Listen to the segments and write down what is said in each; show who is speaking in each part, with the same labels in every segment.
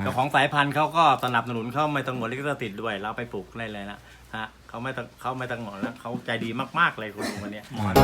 Speaker 1: เจ้าของสายพันธุ์เขาก็สนับสนุนเขาไม่ต้องงดลิขสิทธิ์ด้วยเราไปปลูกได้เลยนะฮะเขาไม่ต้องงดแล้วเขาใจดีมากๆเลยคุณลุงคนนี้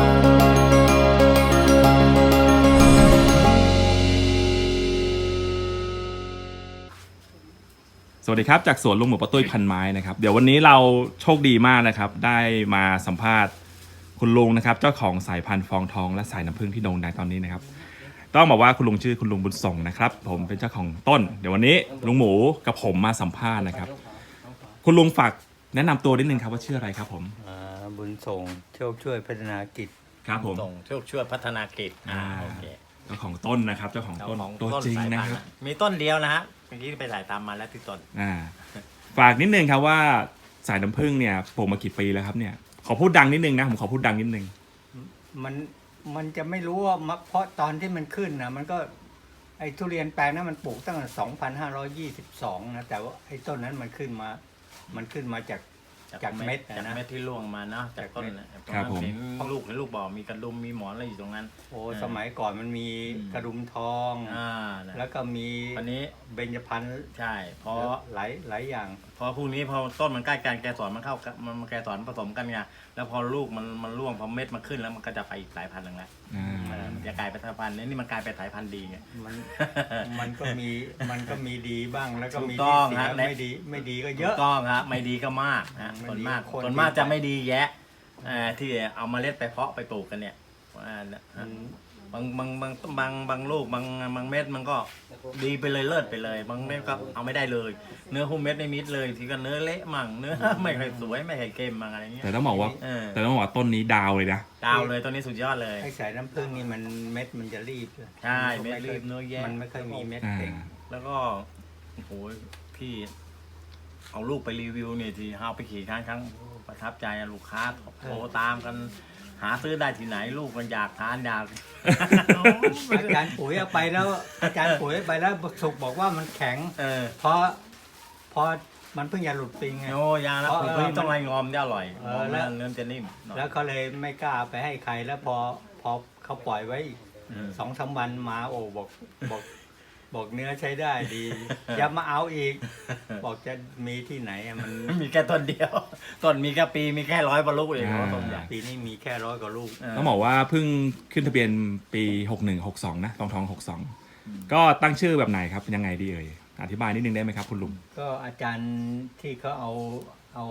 Speaker 2: สวัสดีครับจากสวนลุงหมูปะตุ้ยพันไม้นะครับเดี๋ยววันนี้เราโชคดีมากนะครับได้มาสัมภาษณ์คุณลุงนะครับเจ้าของสายพันธุ์ฟองทองและสายน้ำผึ้งที่โด่งดังตอนนี้นะครับต้องบอกว่าคุณลุงชื่อคุณลุงบุญส่งนะครับผมเป็นเจ้าของต้นเดี๋ยววันนี้ลุงหมูกับผมมาสัมภาษณ์นะครับคุณลุงฝากแนะนำตัวนิดนึงครับว่าชื่ออะไรครับผม
Speaker 3: บุญส่งโชคช่วยพัฒนากิจ
Speaker 2: ครับผม
Speaker 1: ส่งโชคช่วยพัฒนากิจโอเค
Speaker 2: เจ้าของต้นนะครับเจ้าของต้นตัวจริงนะครับ
Speaker 1: มีต้นเดียวนะฮะเมื่อกี้ไปถ่ายตามมาแล้วที่ต้น
Speaker 2: ฝากนิดนึงครับว่าสายน้ำผึ้งเนี่ยปลูกมากี่ปีแล้วครับเนี่ยขอพูดดังนิดนึงนะผมขอพูดดังนิดนึง
Speaker 3: มันจะไม่รู้ว่าเพราะตอนที่มันขึ้นนะมันก็ไอ้ทุเรียนแปลงนั้นมันปลูกตั้งแต่2522นะแต่ว่าไอ้ต้นนั้นมันขึ้นมาจากเม็ด
Speaker 1: จากเม็ดที่ร่วงมาเนาะจากต้น
Speaker 2: ครับผม
Speaker 1: เห็นลูกบอกมีกระดุมมีหมอนอะไรอยู่ตรงนั้น
Speaker 3: โอ้สมัยก่อนมันมีกระดุมทองแล้วก็มี
Speaker 1: อันนี้
Speaker 3: เบญจพรรณ
Speaker 1: ใช่เพราะ
Speaker 3: หลายอย่าง
Speaker 1: พอพวกนี้พอต้นมันใกล้กันแกสอนมันเข้ามันแกสอนผสมกันไงแล้วพอลูกมันร่วงพอเม็ดมันขึ้นแล้วมันก็จะไปอีกสายพันธุ์หนึ่งแล้วมันจะกลายเป็นสายพันธุ์นี่มันกลายเป็นสายพันธุ์ดีไง
Speaker 3: มันก็มีดีบ้างแล้วก็มี
Speaker 1: ที่เสีย
Speaker 3: ไม่ดีก็เยอะ
Speaker 1: ต้องครับไม่ดีก็มากนะส่วนมากจะไม่ดีแยะที่เอาเมล็ดไปเพาะไปปลูกกันเนี่ยบางลูกบางเม็ดมันก็ดีไปเลยเลิศไปเลยบางเม็ดก็เอาไม่ได้เลยเนื้อหุ้มเม็ดไม่มิดเลยทีก็เนื้อเละมั่งเนื้อไม่ค่อยสวยไม่ค่อยเค็มมั่งอะไรเงี้ย
Speaker 2: แต่ต้องบอกว่าต้นนี้ดาวเลยนะ
Speaker 1: ดาวเลยต้นนี้สุดยอดเลย
Speaker 3: ไอ้สายน้ำผึ้งนี่มันเม็ดมันจะรีบ
Speaker 1: ใช่เม็ดรีบเนื้อแย่
Speaker 3: มันไม่ค่อยมีเม็ดเก่ง
Speaker 1: แล้วก็โอ้โหพี่เอาลูกไปรีวิวเนี่ยทีเอาไปขี่ครั้งประทับใจลูกค้าโทรตามกันหาซื้อได้ที่ไหนลูกมันอยากทานอยาก
Speaker 3: อาจารย์ปุ๋ยเอาไปแล้วสุกบอกว่ามันแข็งเพราะมันเพิ่งจะหลุดปีไง
Speaker 1: โอ้ยาแล้วปุ๋ยต้องไรงอมจะอร่อยแล้วเนื้อจะนิ่ม
Speaker 3: แล้วเขาเลยไม่กล้าไปให้ใครแล้วพอเขาปล่อยไว้2-3 วันมาโอ้บอกเนื้อใช้ได้ดีอย่ามาเอาอีกบอกจะมีที่ไหนมัน
Speaker 1: มีแค่ต้นเดียวต้นมีแค่ปีมีแค่100 กว่าลูกเองต้นใหญ่
Speaker 3: ปีนี้มีแค่100 กว่าลูก
Speaker 2: ต้องบอกว่าเพิ่งขึ้นทะเบียนปี61-62นะทอง62ก็ตั้งชื่อแบบไหนครับยังไงดีเอ่ยอธิบายนิดนึงได้ไหมครับคุณลุง
Speaker 3: ก็อาจารย์ที่เขาเอา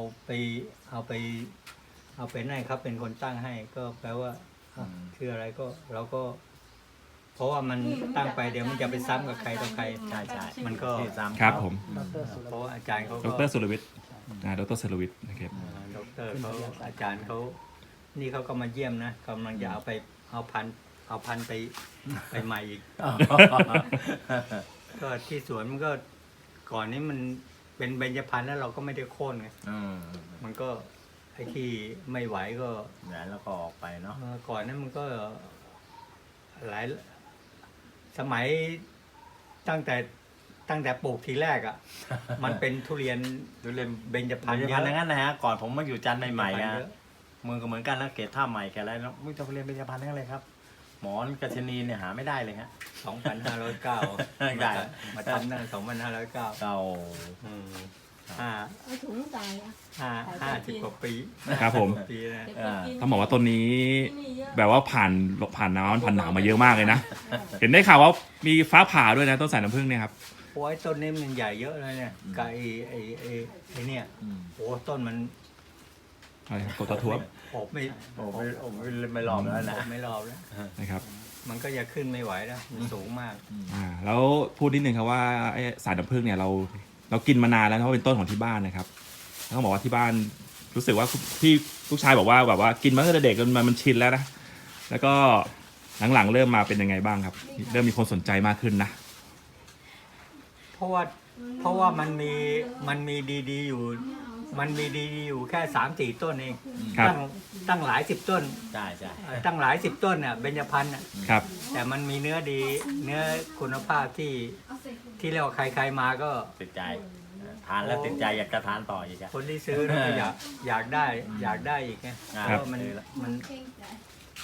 Speaker 3: ไปให้เขาเป็นคนตั้งให้ก็แปลว่าชื่ออะไรก็เราก็เพราะว่ามันตั้งไปเดี๋ยวมันจะไปซ้ำกับใครต่อใคร
Speaker 1: ใช่
Speaker 3: มันก็
Speaker 2: ครับผม
Speaker 3: เพราะอาจารย์เขา
Speaker 2: ดรสุรวิทย์ดรสุรวิทย์นะครับ
Speaker 3: ดรเขาอาจารย์เขานี่เขาก็มาเยี่ยมนะกำลังจะเอาพันไปใหม่อีกก็ที่สวนมันก็ก่อนนี้มันเป็นเบญจพรรณแล้วเราก็ไม่ได้โค่นไงมันก็ไอ้ที่ไม่ไหวก็
Speaker 1: แล้วก็ออกไปเนาะ
Speaker 3: ก่อนนั้นมันก็หลายสมัยตั้งแต่ปลูกทีแรกอ่ะมันเป็นทุเรียนเบญจพรรณ
Speaker 1: เยอะอย่างนั้นนะฮะก่อนผมมาอยู่จันทร์ใหม่ๆอ่ะมือก็เหมือนกันแล้วเกตท่าใหม่แกอะไรแล้วไม่ต้องเรียนเบญจพรรณนั่นเลยครับหมอนกัชนีเนี่ยหาไม่ได้เลยฮะ
Speaker 3: 2509ได้มาทำตั้งแต่2509
Speaker 1: เก่า
Speaker 3: 50 กว่าปี
Speaker 2: ครับผมต้องบอกว่าต้นนี้แบบว่าผ่านน้ำผ่านหนาวมาเยอะมากเลยนะเห็นได้ข่าวว่ามีฟ้าผ่าด้วยนะต้นสายน้ำผึ้งเนี่ยครับ
Speaker 3: โอ้ยต้นนี้มันใหญ่เยอะเลยเนี่ยกับไอ้เนี่ยโอ้ต้นมัน
Speaker 2: กดตะทวบ
Speaker 1: ไม่รอบแล้วนะ
Speaker 3: ไม่รอบแล้ว
Speaker 2: นะครับ
Speaker 3: มันก็จะขึ้นไม่ไหวแล้วมันสูงมาก
Speaker 2: แล้วพูดนิดนึงครับว่าไอ้สายน้ำผึ้งเนี่ยเรากินมานานแล้วเพราะเป็นต้นของที่บ้านนะครับต้องบอกว่าที่บ้านรู้สึกว่าที่ลูกชายบอกว่าแบบว่ากินมาตั้งแต่เด็กจนมันชินแล้วนะแล้วก็หลังๆเริ่มมาเป็นยังไงบ้างครับเริ่มมีคนสนใจมากขึ้นนะ
Speaker 3: เพราะว่ามันมีดีๆอยู่แค่3-4 ต้นเองตั้งหลาย10 ต้น
Speaker 1: ใช่
Speaker 3: ตั้งหลาย10 ต้นเนี่ยเบญจพรรณ
Speaker 2: ครับ
Speaker 3: แต่มันมีเนื้อดีเนื้อคุณภาพที่เรียกว่าใครๆมาก็
Speaker 1: ติดใจทานแล้วติดใจอยากจะทานต่ออีก
Speaker 3: คนที่ซื้ออยากได้อีกไงเพราะมัน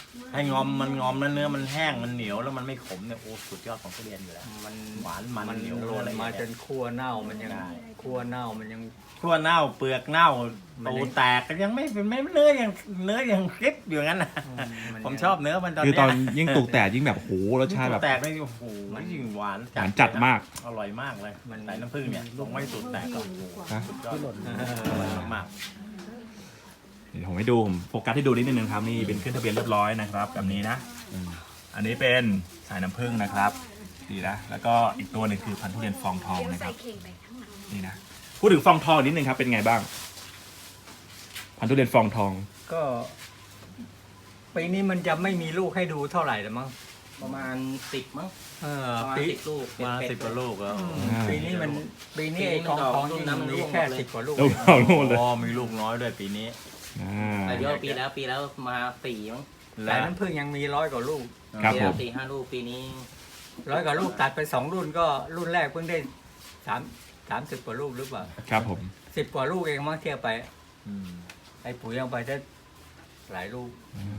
Speaker 1: ให้งอมมันงอมแล้วเนื้อมันแห้งมันเหนียวแล้วมันไม่ขมเนี่ยโอ้สุดยอดของทุเรียนอยู่แล้ว
Speaker 3: มัน
Speaker 1: หวานมัน
Speaker 3: มัน
Speaker 1: เหนียว
Speaker 3: หล่น
Speaker 1: อะไร
Speaker 3: มา
Speaker 1: เงี้ย
Speaker 3: จนคั่วเน่ามันยัง
Speaker 1: ได้
Speaker 3: คั่วเน่ามันยัง
Speaker 1: ขั้วเน่าเปลือกเน่า
Speaker 3: มัน
Speaker 1: ตู
Speaker 3: ยัง
Speaker 1: แตกก็ยังไม่เป็นไม่เนื้อยังคลิปอยู่งั้นนะ
Speaker 3: มัน
Speaker 1: ผมชอบเนื้อมันตอน
Speaker 2: คือ
Speaker 1: เนี้ย
Speaker 2: ตอนยิ่งตุกแตกยิ่งแบบโหรสชาติแบบ
Speaker 1: ตูแตกนี่โอ้โหยิ่งหวาน
Speaker 2: หวานจัดมาก
Speaker 1: อร่อยมากเลย
Speaker 3: มัน
Speaker 1: ใส่น้ำผึ้งเนี่ยลงไม่ตูแตกก็โอ้โห
Speaker 2: ฮะ
Speaker 1: สุดยอดอร่อยมาก
Speaker 2: เดี๋ยวผมให้ดูผมโฟกัสให้ดูนิดนึงครับนี่เป็นขึ้นทะเบียนเรียบร้อยนะครับแบบนี้นะอันนี้เป็นสายน้ำผึ้งนะครับดีนะแล้วก็อีกตัวหนึ่งคือพันธุ์ทุเรียนฟองทองนะครับนี่นะพูดถึงฟองทองนิดนึงครับเป็นไงบ้าง พันธุ์ทุเรียนฟองทอง
Speaker 3: ก็ปีนี้มันจะไม่มีลูกให้ดูเท่าไหร่ละมั้ง
Speaker 4: ประมาณ10มั้ง
Speaker 3: เออ
Speaker 4: ประมาณ
Speaker 3: ปี
Speaker 4: 10 ลูก
Speaker 1: ๆมา
Speaker 4: เป็ด
Speaker 1: 10 กว่าลูกแล้ว
Speaker 3: ปีนี้มันปีนี้ไอ้กองทองนี่มันมีแค่10 กว่าลูก
Speaker 2: ลูกเอาลูกเลย
Speaker 1: อ๋อมีลูกน้อยด้วยปีนี้
Speaker 2: อ่า
Speaker 4: แต่เยอะปีแล้วมา4มั้ง
Speaker 3: แต่น้ำผึ้งยังมี100 กว่าลูก
Speaker 2: ครับ
Speaker 4: ปี
Speaker 2: ผ
Speaker 4: แล้ว
Speaker 2: ม
Speaker 4: 4-5 ลูกปีนี้
Speaker 3: 100 กว่าลูกตัดไป2 รุ่นก็รุ่นแรกเพิ่งได้30 กว่าลูกหรือเปล่า
Speaker 2: ครับผม
Speaker 3: 10 กว่าลูกเองมั้งเทียบไป
Speaker 1: อืม
Speaker 3: ไอ้ปุ๋ยยังไปได้หลายลูก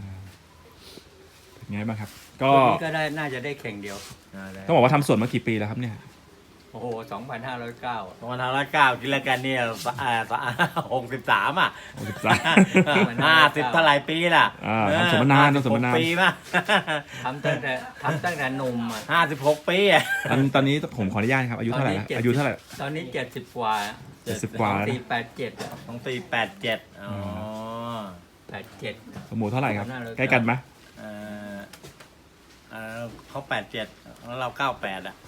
Speaker 2: เป็นไงบ้างครับ ก็
Speaker 3: รุ่นนี้ก็ได้น่าจะได้เข่งเดียว
Speaker 2: ต้องบอกว่าทำสวนมากี่ปีแล้วครับเนี่ย
Speaker 3: โอ้โห 2,509
Speaker 1: ตอนทางละ9กินแล้วกันเนี่ย63 อ่ะ 50 เท่าไหร่ปีล่ะ
Speaker 2: ทำสวนมานานทำสวนมานาน
Speaker 1: 56 ปีป่ะ
Speaker 3: ทำตั้งแต่หนุ่มอ่ะ
Speaker 1: 56 ปีอ่ะ
Speaker 2: ตอนนี้ผมขออนุญาตครับอายุเท่าไหร่แล้ว
Speaker 3: ตอนนี้
Speaker 2: อายุเท่าไหร่
Speaker 3: ตอนนี้ 70 กว่า
Speaker 2: 70 กว่าแล้วนะ
Speaker 3: 487อะ
Speaker 1: ต้องตี87อ๋อ
Speaker 3: 87
Speaker 2: สมูเท่าไหร่ครับ
Speaker 3: น่ารัก
Speaker 2: ใกล้กันไหม
Speaker 1: เอ่อเขา87แล้วเรา98อ่ะ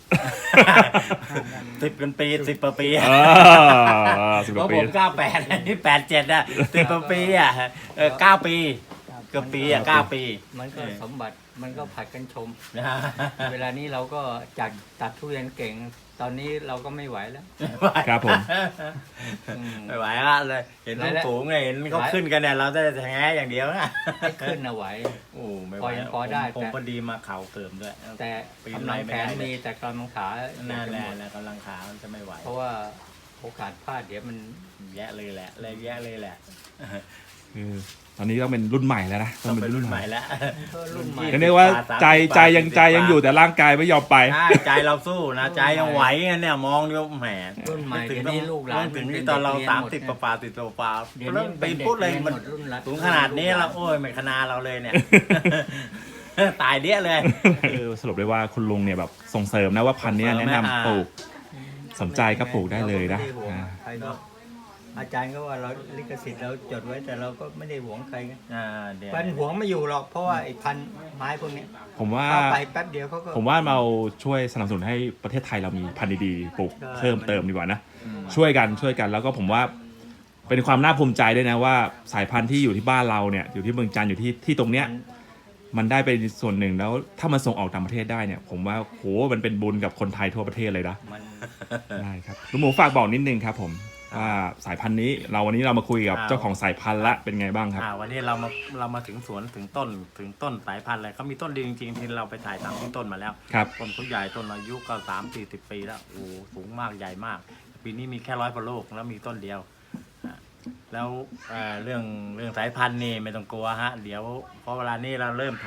Speaker 1: 10 กันปี 10 ปี
Speaker 2: เออ10
Speaker 1: เพ
Speaker 2: กว่า
Speaker 1: ราะ
Speaker 2: ปี
Speaker 1: ผม98นี่87อ่ะ10 ปีอ่ะ9 ปีเกือบปีอ่ะ9 ปี
Speaker 3: มันก็สมบัติมันก็ผัดกันชม
Speaker 1: นะฮะ
Speaker 3: เวลานี้เราก็จากตัดทุเรียนเก่ง ตอนนี้เราก็ไม่ไหวแล้ว
Speaker 2: ครับผม
Speaker 3: อืม
Speaker 1: ไม่ไหวละเลยเห็นลูกสูงไงเห็นเขาขึ้นกันเนี่ยเราจะแง้อย่างเดียวนะ
Speaker 3: ให้ขึ้นนะไหว
Speaker 1: โอ้ไม่ไห
Speaker 3: พ
Speaker 1: ว
Speaker 3: อยังพอได้
Speaker 1: ผม
Speaker 3: แต่
Speaker 1: พอดีมาเข่าเติมด้วย
Speaker 3: แต่
Speaker 1: ปีน
Speaker 3: กำ
Speaker 1: ไร
Speaker 3: ลัง
Speaker 1: ไม่
Speaker 3: แข
Speaker 1: ได้
Speaker 3: น
Speaker 1: เลย
Speaker 3: มีแต่กำลังขา
Speaker 1: น่าแล
Speaker 3: จะหมด
Speaker 1: แล้วกำลังขามันจะไม่ไหว
Speaker 3: เพราะว่าโอกาสพลาดเดี๋ยวมัน
Speaker 1: แย่เลยแหละเลยแย่เลยแหละ
Speaker 2: คือตอนนี้ต้องเป็นรุ่นใหม่แล้วนะ
Speaker 1: ต้องเป็นรุ่นใหม่แล้ว
Speaker 3: ก็รุ่นใหม่
Speaker 2: ก็เรียกว่าใจยังอยู่แต่ร่างกายไม่ยอมไป
Speaker 1: ใช่ใจเราสู้นะใจยังไหวเนี่ยมองดูแหม
Speaker 3: รุ่นใหม่
Speaker 1: ถึง
Speaker 3: เดี๋ยวนี้ลูกหลาน
Speaker 1: ถึง
Speaker 3: มัน
Speaker 1: ที่
Speaker 3: เป็น
Speaker 1: ตอนเรา
Speaker 3: เด็กเรียนหมด
Speaker 1: 30 ป่าติดตัวป่า
Speaker 3: เดี๋ยว
Speaker 1: แล้ว
Speaker 3: นี้
Speaker 1: ไป
Speaker 3: เป็นเด็ก
Speaker 1: พูดเลย
Speaker 3: เรียน
Speaker 1: มัน
Speaker 3: หมดรุ่นละ
Speaker 1: สูงขนาดนี้แล้วโอ้ยไม่ขนาดเราเลยเนี่ย ตายเดี้ยเลย
Speaker 2: คือสรุปได้ว่าคุณลุงเนี่ยแบบส่งเสริมนะว่าพันธุ์เนี้ยแนะนำปลูก สนใจก็ปลูกได้เลยนะ
Speaker 3: ราก็ไม่ได้ห่วงใครหรอกอาจารย์ก็ว่าเราลิขสิทธิ์เราจดไว้แต่เราก็ไม่ได้หวงใครไง
Speaker 1: เดี๋ยว
Speaker 3: มันหวงไม่อยู่หรอกเพราะว่าไอ้พันธุ์ไม้พวกเนี้ย
Speaker 2: ผมว่า
Speaker 3: เข้าไปแป๊บเดียวเขาก็
Speaker 2: ผมว่าเราช่วยสนับสนุนให้ประเทศไทยเรามีพันธุ์ดีๆปลูก
Speaker 3: ใช่
Speaker 2: เพิ่มเติมดีกว่านะ
Speaker 1: อืม
Speaker 2: ช่วยกันแล้วก็ผมว่าเป็นความน่าภูมิใจด้วยนะว่าสายพันธุ์ที่อยู่ที่บ้านเราเนี่ยอยู่ที่เมืองจันทร์อยู่ที่ตรงเนี้ย มันได้เป็นส่วนหนึ่งแล้วถ้ามันส่งออกต่างประเทศได้เนี่ย ผมว่าโหมันเป็นบุญกับคนไทยทั่วประเทศเลยนะ
Speaker 3: มัน
Speaker 2: ได้ครับลุงหมูฝากบอกนิดนึงครับผมว่าสายพันธุ์นี้วันนี้เรามาคุยกับเจ้าของสายพันธุ์ละเป็นไงบ้างครับ
Speaker 1: วันนี้เรามาถึงสวนถึงต้นสายพันธุ์เลยเขามีต้นดีจริงๆที่เราไปถ่ายตามที่ต้นมาแล้ว
Speaker 2: ครับ
Speaker 1: ต้นเขาใหญ่ต้นอายุก็30-40 ปีแล้วโอ้โหสูงมากใหญ่มาก ปีนี้มีแค่100 กว่าลูกแล้วมีต้นเดียวอ่ะแล้วเรื่องสายพันธุ์นี่ไม่ต้องกลัวฮะเดี๋ยวเพราะเวลานี้เราเริ่ม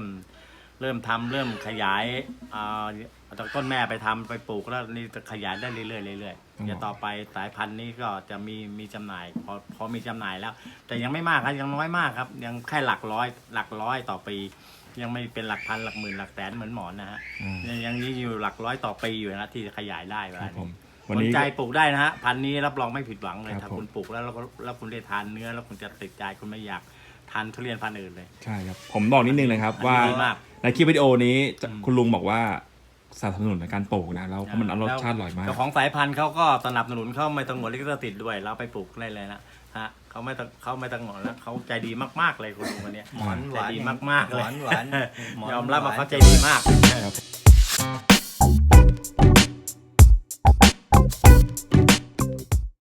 Speaker 1: ขยายเอาจากต้นแม่ไปทำไปปลูกแล้วนี่จะขยายได้เรื่อยๆเรื่อยๆเดี๋ยวต่อไปสายพันธุ์นี้ก็จะมีจำหน่ายพอมีจำหน่ายแล้ว แต่ยังไม่มากครับยังน้อยมากครับยังแค่หลักร้อยต่อปี ยังไม่เป็นหลักพันหลักหมื่นหลักแสนเหมือนหมอนนะฮะ
Speaker 2: อืม
Speaker 1: ยังนี้อยู่หลักร้อยต่อปีอยู่นะที่จะขยายได้เว
Speaker 2: ครั
Speaker 1: ลา
Speaker 2: บผม
Speaker 1: นี้
Speaker 2: วัน
Speaker 1: สน
Speaker 2: นี้
Speaker 1: ใจปลูกได้นะฮะพันธุ์นี้รับรองไม่ผิดหวังเลย
Speaker 2: ครับ
Speaker 1: ถ้า
Speaker 2: ผม
Speaker 1: คุณปลูกแล้วคุณได้ทานเนื้อแล้วคุณจะติดใจคุณไม่อยากทานทุเรียนพันธุ์อื่นเลย
Speaker 2: ใช่ครับผมบอกนิดนึงเลยครับว่า
Speaker 1: ดีมาก
Speaker 2: ในคลิปวิดีโอนี้
Speaker 1: อืม
Speaker 2: คุณลุงบอกว่าสนับสนุนในการปลูกนะแล้วเพราะมันรสชาติอร่อยมาก
Speaker 1: เจ้าของสายพันธุ์เขาก็สนับสนุนเขาไม่ต้องหมดลิขสิทธิ์ด้วยเราไปปลูกได้เลยนะฮะเขาไม่ต้องหมดแล้วเขาใจดีมากๆเลยคุณลุงคนเนี้ย
Speaker 3: หมอนหวาน
Speaker 1: ใจดีมากๆเลย
Speaker 3: หวานหวานหมอน
Speaker 1: ยอมรับว่า
Speaker 3: หวาน
Speaker 1: เขาใจดีมาก
Speaker 2: ครับ